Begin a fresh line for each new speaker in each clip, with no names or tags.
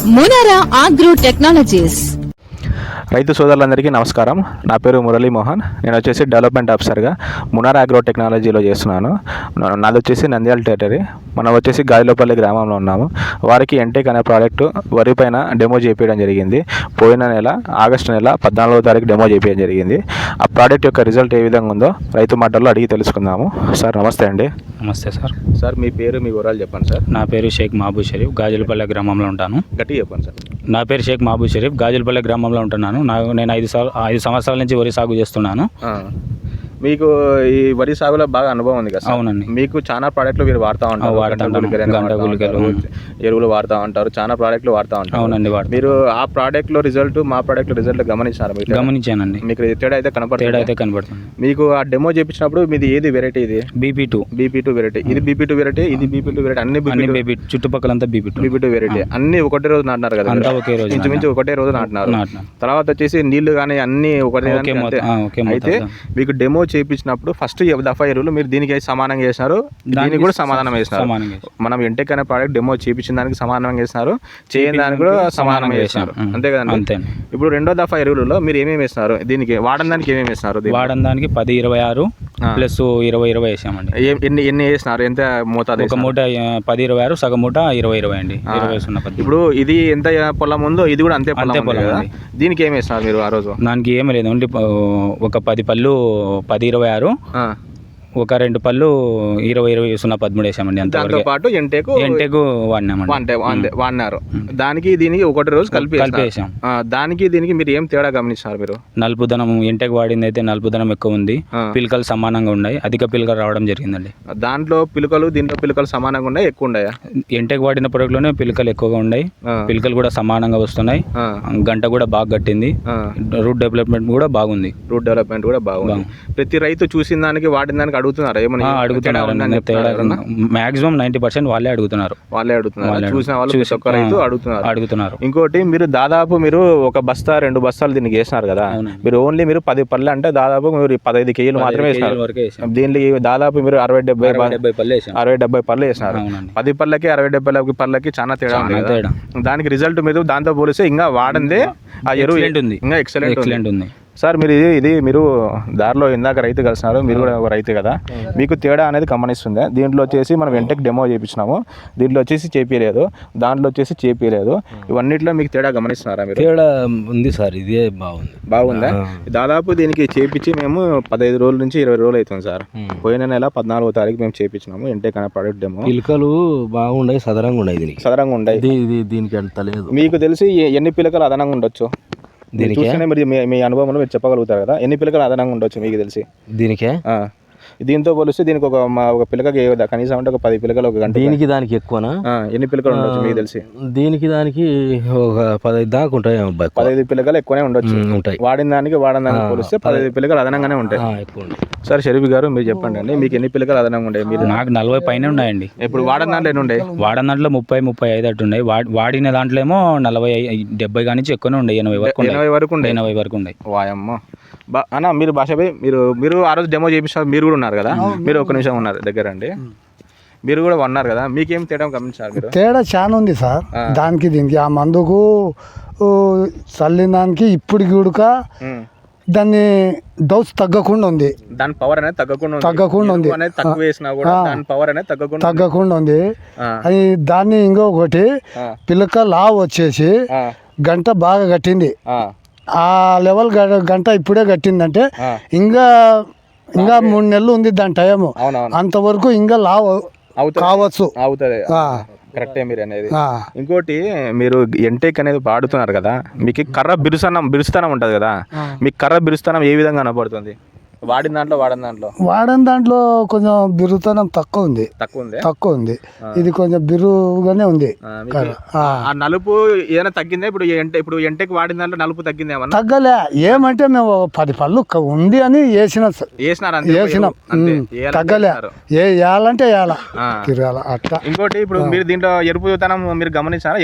మునారా agro technologies.
రైతు సోదరులందరికీ నమస్కారం. నా పేరు మురళీ మోహన్. నేను వచ్చేసి డెవలప్మెంట్ ఆఫీసర్గా మునారా అగ్రో టెక్నాలజీలో చేస్తున్నాను. నాది వచ్చేసి నంద్యాల టెరిటరీ. మనం వచ్చేసి గాలిలోపల్లి గ్రామంలో ఉన్నాము. వారికి ఎంటెక్ అనే ప్రోడక్ట్ వరి పైన డెమో చేయించడం జరిగింది. పోయిన నెల ఆగస్టు నెల 14వ తారీఖు డెమో చేయించడం జరిగింది. ఆ ప్రోడక్ట్ యొక్క రిజల్ట్ ఏ విధంగా ఉందో రైతు మాటల్లో అడిగి తెలుసుకుందాము. సార్ నమస్తే అండి.
నమస్తే సార్.
సార్ మీ పేరు, మీ వివరాలు చెప్పండి సార్.
నా పేరు షేక్ మహబూబ్ షరీఫ్, గాజులపల్లె గ్రామంలో ఉంటాను.
గట్టిగా చెప్పండి సార్.
నా పేరు షేక్ మహబూబ్ షరీఫ్, గాజులపల్లె గ్రామంలో ఉంటున్నాను. నేను 5 సంవత్సరాల నుంచి వరి సాగు చేస్తున్నాను.
మీకు ఈ వరి సాగులో బాగా అనుభవం ఉంది కదా?
అవునండి.
మీకు చాలా ప్రోడక్ట్లు మీరు వాడుతూ ఉంటారు, ఎరువులు వాడుతూ ఉంటారు, చాలా ప్రోడక్ట్లు వాడుతూ ఉంటారు.
అవునండి.
మీరు ఆ ప్రోడక్ట్ లో రిజల్ట్, మా ప్రోడక్ట్ రిజల్ట్ గమనించారు?
గమనించానండి.
మీకు తేడా అయితే కనపడుతుంది. మీకు ఆ డెమో చేపించినప్పుడు మీది ఏది వెరైటీ? ఇది బీపీ2 వెరైటీ. ఇది బీపీ2 వెరైటీ, ఇది బీపీ2 వెరైటీ. అన్ని
చుట్టుపక్కలంతా బీపీ2
వెరైటీ. అన్ని ఒకటే రోజు నాటినారు కదా?
ఒకే రోజు,
ఇంచుమించు ఒకటే రోజు నాటినారు. తర్వాత వచ్చేసి నీళ్లు కానీ అన్ని ఒకటే. అయితే మీకు డెమో చేయించినప్పుడు ఫస్ట్ దఫా ఎరువులు మీరు దీనికి సమానంగా చేసినారు, దీనికి కూడా సమానం వేసినారు. మనం ఎంటెక్ అనే ప్రోడక్ట్ డెమో చేయించిన దానికి సమానంగా వేసినారు, చేయని దానికి కూడా సమానంగా వేసినారు. అంతే కదండి? ఇప్పుడు రెండో దఫా ఎరువులలో మీరు ఏమేమి వేసినారు? దీనికి వాడని దానికి ఏమేమి వేసినారు?
వాడని దానికి 10-26 ప్లస్ 20-20 వేసామండి.
ఎన్ని వేసినారు? ఎంత మోతాదు?
ఒక మూట 10-26, సగం మూట 20-20 అండి. 20
ఇప్పుడు ఇది ఎంత పొలం ఉందో ఇది కూడా అంతే పొలం కదా? దీనికి ఏమి వేసినారు మీరు ఆ రోజు?
దానికి ఏమీ లేదు, ఓన్లీ ఒక 10 పళ్ళు 10-26, ఒక 2 పళ్ళు 20-20-13 వేసామండి.
దాంతో పాటు ఎంటెక్ వాడినారు. దానికి దీనికి ఒకటి రోజు కలిపి వేసాం. దానికి దీనికి మీరు ఏం తేడా గమనిస్తారు? మీరు
నలుపుదనం ఎంటెక్ వాడింది అయితే నలుపుదనం ఎక్కువ ఉంది, పిలకలు సమానంగా ఉన్నాయి, అధిక పిలకలు రావడం జరిగిందండి.
దాంట్లో పిలకలు దీంట్లో పిలకలు సమానంగా ఉన్నాయి, ఎక్కువ ఉన్నాయా?
ఎంటెక్ వాడిన ప్రోడక్ట్లోనే పిలకలు ఎక్కువగా ఉన్నాయి, పిలకలు కూడా సమానంగా వస్తున్నాయి, గంట కూడా బాగా కట్టింది, రూట్ డెవలప్మెంట్ కూడా బాగుంది.
ప్రతి రైతు చూసిన దానికి వాడిన దానికి అడుగుతున్నారు ఏమన్నా?
అడుగుతున్నారు. మాక్సిమం 90% వాళ్ళే అడుగుతున్నారు.
చూసిన వాళ్ళు అడుగుతున్నారు. ఇంకోటి, మీరు దాదాపు మీరు ఒక బస్తా 2 బస్తాలు దీనికి వేసినారు కదా? మీరు ఓన్లీ మీరు 10 పళ్ళు అంటే దాదాపు మీరు 15 కేజీలు మాత్రమే వేసినారు. దీనికి దాదాపు మీరు 60-70 పళ్ళు వేసినారు. 10 పళ్ళకి 60-70 పళ్ళకి చాలా తేడా ఉంది కదా? దానికి రిజల్ట్ మీరు దాంతో పోలిస్తే ఇంకా వాడందే ఆ ఎరువు ఇంకా ఎక్సలెంట్ ఉంది. సార్ మీరు ఇది మీరు దారిలో ఇందాక రైతు కలిసినారు, మీరు కూడా ఒక రైతు కదా, మీకు తేడా అనేది గమనిస్తుంది? దీంట్లో వచ్చేసి మనం ఎంటెక్ డెమో చేయించినాము, దీంట్లో వచ్చేసి చేపియలేదు, దాంట్లో వచ్చేసి చేపియలేదు. ఇవన్నిట్లో మీకు తేడా గమనిస్తున్నారా మీరు?
తేడా ఉంది సార్, ఇదే
బాగుందా? దాదాపు దీనికి చేపించి మేము 15 రోజుల నుంచి 20 రోజులు అవుతుంది సార్. పోయిన నెల 14వ తారీఖు మేము చేపించినాము ఎంటెక్ అనే ప్రోడక్ట్ డెమో.
పిలకలు బాగున్నాయి, సదరంగా ఉన్నాయి. దీనికి అంత లేదు.
మీకు తెలిసి ఎన్ని పిలకలు అదనంగా ఉండొచ్చు? చూస్తేనే మీరు మీ అనుభవంలో మీరు చెప్పగలుగుతారు కదా, ఎన్ని పిలకలు అదనంగా ఉండొచ్చు మీకు తెలిసి?
దీనికే
దీంతో పోలిస్తే దీనికి ఒక పిలకకి కనీసం అంటే ఒక 10 పిలకలు ఒక గంట.
దానికి ఎక్కువనా?
ఎన్ని పిలకలు ఉండొచ్చు మీకు తెలిసి?
దానికి ఒక 15 దాకా ఉంటాయి.
15 పిలకలు ఎక్కువనే ఉండొచ్చు ఉంటాయి. వాడిన దానికి పోలిస్తే 15 పిలకలు అదనంగానే ఉంటాయి. సార్ షరీఫ్ గారు మీరు చెప్పండి అండి, మీకు ఎన్ని పిలకలు అదనంగా ఉంటాయి? మీరు?
నాకు 40 పైన ఉన్నాయండి.
ఇప్పుడు వాడిన దాంట్లో ఎన్ని ఉన్నాయి?
వాడిన దాంట్లో 30-35 అటు ఉన్నాయి. వాడిన దాంట్లో ఏమో 40-70 కానీ ఎక్కువనే ఉండే, 80 వరకు ఉన్నాయి.
వాయమ్మ అన్న, మీరు భాషపై మీరు ఆ రోజు డెమో చేపిస్తారు, మీరు కూడా ఉన్నారు కదా? మీరు ఒక నిమిషం ఉన్నారు దగ్గర అండి, మీరు కూడా ఉన్నారు కదా, మీకేం తేడా గమనించారు మీరు?
తేడా చాలా ఉంది సార్ దానికి దీనికి. ఆ మందుకు చల్లిన దానికి ఇప్పటికి ఉడక దాన్ని డోస్ తగ్గకుండా ఉంది,
దాని పవర్ అనేది తగ్గకుండా ఉంది,
తగ్గకుండా ఉంది. అది దాన్ని ఇంకొకటి పిలక లావు వచ్చేసి గంట బాగా కట్టింది. ఆ లెవెల్ గంట ఇప్పుడే కట్టిందంటే ఇంకా 3 నెలలు ఉంది దాని టైం. అంతవరకు ఇంకా లావు కావచ్చు.
కరెక్టే మీరు అనేది. ఇంకోటి, మీరు ఎంటెక్ అనేది వాడుతున్నారు కదా, మీకు కర్ర బిరుస్తనం ఉంటుంది కదా, మీకు కర్ర బిరుస్తనం ఏ విధంగా కనపడుతుంది? వాడిన దాంట్లో కొంచెం బిరుతనం తక్కువ ఉంది. ఇది కొంచెం బిరుగానే ఉంది. నలుపు ఏదైనా తగ్గిందా? ఇప్పుడు ఎంటెక్ వాడిన దాంట్లో నలుపు తగ్గింది?
తగ్గలే. ఏమంటే మేము 10 పళ్ళు ఉంది అని వేసినాం. తగ్గలే. వేయాలంటే తిరగాల అట్లా.
ఇంకోటి, ఇప్పుడు మీరు దీంట్లో ఎరుపుతనం మీరు గమనించారా?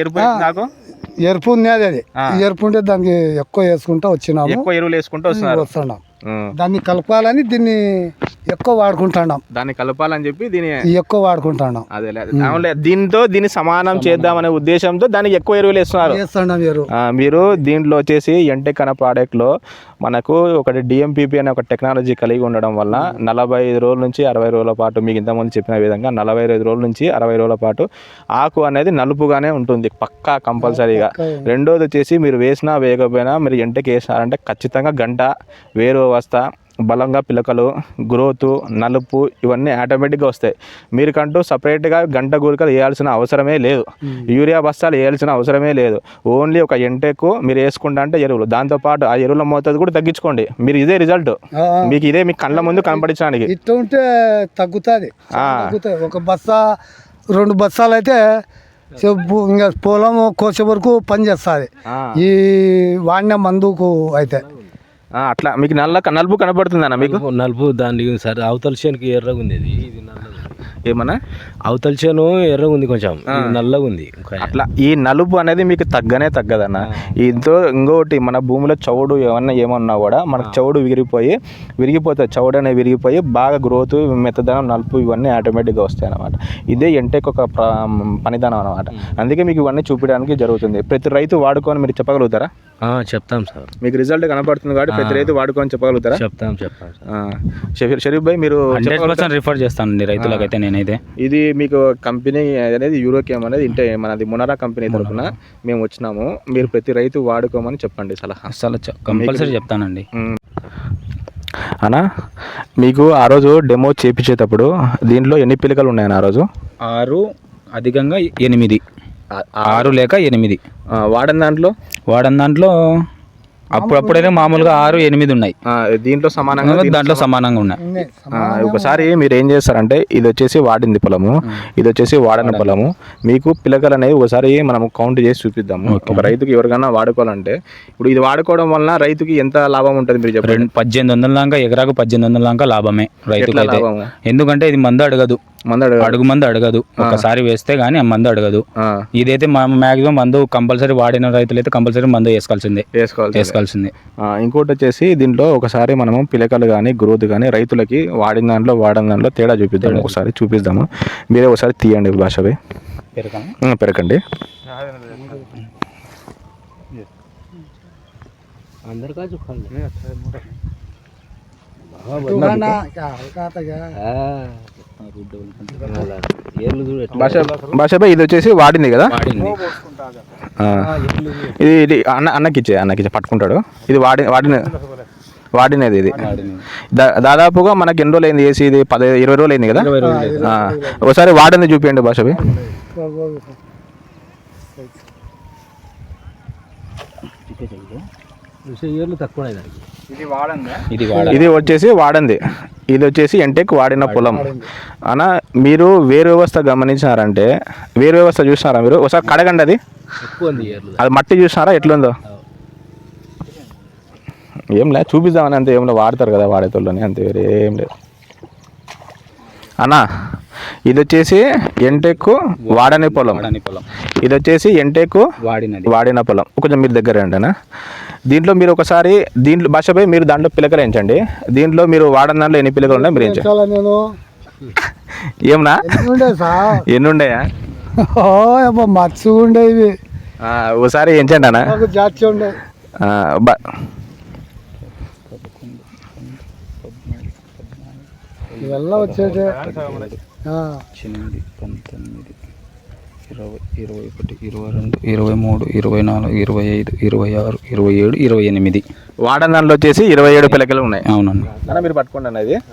ఎరుపు ఉన్నది. అది ఎరుపు ఉంటే దానికి ఎక్కువ వేసుకుంటా వచ్చినాము,
ఎక్కువ ఎరువులు వేసుకుంటూ వస్తున్నాం.
దాన్ని కలపాలని దీన్ని ఎక్కువ వాడుకుంటున్నాం.
దాన్ని కలపాలని చెప్పి దీన్ని
ఎక్కువ వాడుకుంటున్నాం.
అదే దీన్ని సమానం చేద్దామనే ఉద్దేశంతో దానికి ఎక్కువ ఎరువులు ఇస్తున్నారు. మీరు దీంట్లో వచ్చేసి ఎంటెక్ అనే ప్రోడక్ట్ లో మనకు ఒకటి డిఎంపిపి అనే ఒక టెక్నాలజీ కలిగి ఉండడం వల్ల 45 రోజుల నుంచి 60 రోజుల పాటు మీకు ఇంతకుముందు చెప్పిన విధంగా 45 రోజుల నుంచి 60 రోజుల పాటు ఆకు అనేది నలుపుగానే ఉంటుంది పక్కా కంపల్సరీగా. రెండోది వచ్చేసి మీరు వేసినా వేయకపోయినా మీరు ఎంటెక్ వేసినారంటే ఖచ్చితంగా గంట వేరు వ్యవస్థ బలంగా పిలకలు గ్రోత్ నలుపు ఇవన్నీ ఆటోమేటిక్గా వస్తాయి. మీరుకంటూ సపరేట్గా గంట గురికలు వేయాల్సిన అవసరమే లేదు, యూరియా బస్తాలు వేయాల్సిన అవసరమే లేదు. ఓన్లీ ఒక ఎంటెక్ మీరు వేసుకుంటా అంటే ఎరువులు, దాంతోపాటు ఆ ఎరువుల మోతాదు కూడా తగ్గించుకోండి. మీరు ఇదే రిజల్ట్ మీకు ఇదే మీ కళ్ళ ముందు కనపడించడానికి
ఇట్లా ఉంటే తగ్గుతుంది. ఒక బస్తా 2 బస్తాలు అయితే ఇంకా పొలం కోసే వరకు పని చేస్తుంది ఈ వాడిన మందుకు అయితే.
అట్లా మీకు నలుపు కనపడుతుంది అన్న? మీకు
నలుపు దాని సరే అవతల చేనుకి ఎర్రగా ఉంది, ఇది నల్లగా.
ఏమన్నా
అవతల చేను ఎర్రగా ఉంది, కొంచెం నల్లగా ఉంది.
అట్లా ఈ నలుపు అనేది మీకు తగ్గదన్న. ఇంకోటి మన భూమిలో చౌడు ఏమన్నా కూడా మనకు చౌడు విరిగిపోతుంది. చౌడు అనేది విరిగిపోయి బాగా గ్రోత్ మెత్తదనం నలుపు ఇవన్నీ ఆటోమేటిక్గా వస్తాయి అన్నమాట. ఇదే ఎంటెక్ ఒక పనిదానం అనమాట. అందుకే మీకు ఇవన్నీ చూపించడానికి జరుగుతుంది. ప్రతి రైతు వాడుకొని మీరు చెప్పగలుగుతారా?
చెప్తాం సార్.
మీకు రిజల్ట్ కనపడుతుంది కాబట్టి ప్రతి రైతు వాడుకొని చెప్పగలుగుతారా?
చెప్తాం.
షరీఫ్ భాయ్ మీరు
100% రిఫర్ చేస్తానండి రైతులకైతే నేనైతే.
ఇది మీకు కంపెనీ అనేది యూరోకేమ్ అనేది ఇంటే మనది మునరా కంపెనీ తరఫున మేము వచ్చినాము. మీరు ప్రతి రైతు వాడుకోమని చెప్పండి సలహా.
కంపల్సరీ చెప్తానండి
అన్నా. మీకు ఆ రోజు డెమో చేపించేటప్పుడు దీంట్లో ఎన్ని పిలకలు ఉన్నాయన్న? ఆ రోజు
6, అధికంగా 8, 6 లేక 8
వాడని దాంట్లో
అప్పుడప్పుడైనా మామూలుగా 6, 8 ఉన్నాయి.
దీంట్లో
సమానంగా ఉన్నాయి.
ఒకసారి మీరు ఏం చేస్తారంటే ఇది వచ్చేసి వాడింది పొలము, ఇది వచ్చేసి వాడని పొలము. మీకు పిలకలు అనేవి ఒకసారి మనం కౌంట్ చేసి చూపిద్దాము. ఒక రైతుకి ఎవరికైనా వాడుకోవాలంటే ఇప్పుడు ఇది వాడుకోవడం వలన రైతుకి ఎంత లాభం ఉంటుంది మీరు చెప్పండి?
1800 దాకా ఎకరాకు 1800 దాకా లాభమే రైతుకి. ఎందుకంటే ఇది మందు అడగదు, అడుగు మందు అడగదు. ఒకసారి వేస్తే గానీ ఆ మందు అడగదు. ఇదైతే మాక్సిమం మందు కంపల్సరీ వాడిన రైతులు అయితే కంపల్సరీ మందు వేసుకోవాల్సిందే.
ఇంకోటి వచ్చేసి దీంట్లో ఒకసారి మనము పిలకలు కానీ గ్రోత్ కానీ రైతులకి వాడిన దాంట్లో తేడా చూపిద్దాము. ఒకసారి చూపిద్దాము. మీరే ఒకసారి తీయండి భాషపై పెరకండి. భాషపై ఇది వచ్చేసి వాడింది కదా, ఇది అన్నకిచ్చే పట్టుకుంటాడు. ఇది వాడినది ఇది దాదాపుగా మనకి ఎన్ని రోజులు అయింది వేసి? ఇది 20 రోజులు అయింది కదా. ఒకసారి వాడింది చూపించండి భాషపై. ఇది వచ్చేసి వాడంది, ఇది వచ్చేసి ఎంటెక్ వాడిన పొలం అన్న. మీరు వేరు వ్యవస్థ గమనించినారంటే, వేరు వ్యవస్థ చూసినారా మీరు? ఒకసారి కడగండి, అది మట్టి చూసినారా ఎట్లుందో? ఏం లేదు చూపిద్దామని అంతే, ఏం వాడతారు కదా వాడేతోళ్ళని, అంతే వేరే ఏం లేదు అన్న. ఇది వచ్చేసి ఎంటెక్ వాడని పొలం, ఇది వచ్చేసి ఎంటెక్ వాడిన పొలం. కొంచెం మీరు దగ్గర అంటేనా దీంట్లో మీరు ఒకసారి భాషపై మీరు దాంట్లో పిలకలు ఎంచండి. దీంట్లో మీరు వాడని దాంట్లో ఎన్ని పిలకలు ఉన్నాయి మీరు ఎంచండి. ఏమన్నా ఎన్ని ఉండయా?
మచ్చు ఉండేవి.
ఒకసారి ఎంచండి అన్న.
ఇవల్ల వచ్చేది
8, 19, 20, 21, 22, 23, 24, 25, 26, 27, 28.
వాడని దాంట్లో వచ్చేసి 27 పిలకలు ఉన్నాయి.
అవునండి
అన్న మీరు పట్టుకోండి అన్న. ఇది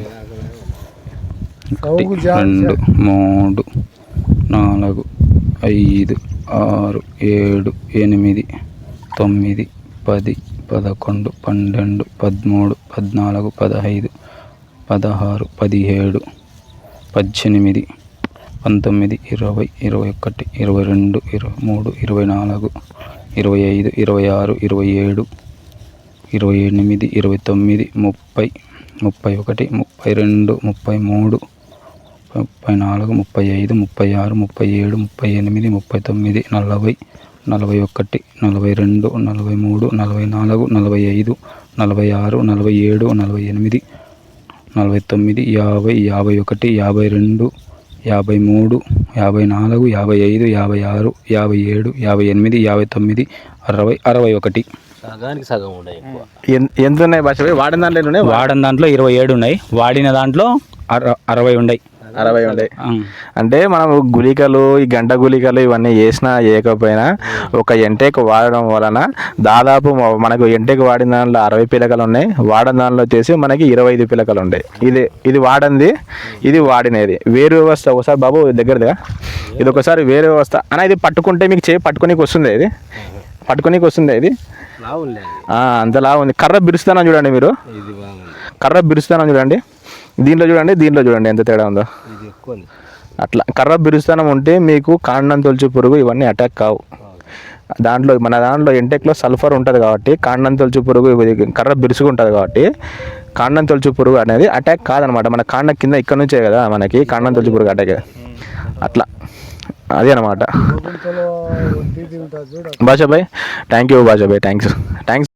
1, 2, 3, 4, 5, 6, 7, 8, 9, 10, 11, 12, 13, 14, 15, 16, 17, 18, 19, 20, 21, 22, 23, 24, 25, 26, 27, 28, 29, 30, 31, 32, 33, 34, 35, 36, 37, 38, 39, 40, 41, 42, 43, 44, 45, 46, 47, 48, 49, 50, 51, 52, 53, 54, 55, 56, 57, 58, 59, 60, 61.
సగానికి సగం ఉన్నాయి ఎక్కువ.
ఎంత ఉన్నాయి భాష వాడిన దాంట్లో ఉన్నాయి?
వాడిన దాంట్లో 27 ఉన్నాయి, వాడిన దాంట్లో 60 ఉన్నాయి.
60 ఉన్నాయి. అంటే మనం గుళికలు, ఈ గంట గుళికలు ఇవన్నీ వేసినా వేయకపోయినా ఒక ఎంటేక్ వాడడం వలన దాదాపు మనకు ఎంటేక్ వాడిన దాంట్లో 60 పిలకలు ఉన్నాయి, వాడిన దాంట్లో వచ్చేసి మనకి 25 పిలకలు ఉంటాయి. ఇది వాడింది, ఇది వాడినది. వేరు వ్యవస్థ ఒకసారి బాబు దగ్గరగా ఇది ఒకసారి వేరు వ్యవస్థ అన్న. ఇది పట్టుకుంటే మీకు చేయి పట్టుకోనికి వస్తుంది, ఇది పట్టుకోనికి వస్తుంది. ఇది అంతలా ఉంది. కర్ర బిరుస్తానని చూడండి మీరు, కర్ర బిరుస్తానని చూడండి. దీంట్లో చూడండి ఎంత తేడా ఉందో. అట్లా కర్ర బిరుస్తానం ఉంటే మీకు కాండం తొలచు పురుగు ఇవన్నీ అటాక్ కావు. మన దాంట్లో ఎంటెక్లో సల్ఫర్ ఉంటుంది కాబట్టి కాండం తొలచు పురుగు కర్ర బిరుసుగా ఉంటుంది కాబట్టి కాండం తొలచు పురుగు అనేది అటాక్ కాదనమాట. మన కాండం కింద ఇక్కడ నుంచే కదా మనకి కాండం తొలచు పురుగు అటాక్. అట్లా అదే అనమాట. Bashabhai thank you, Bashabhai thanks.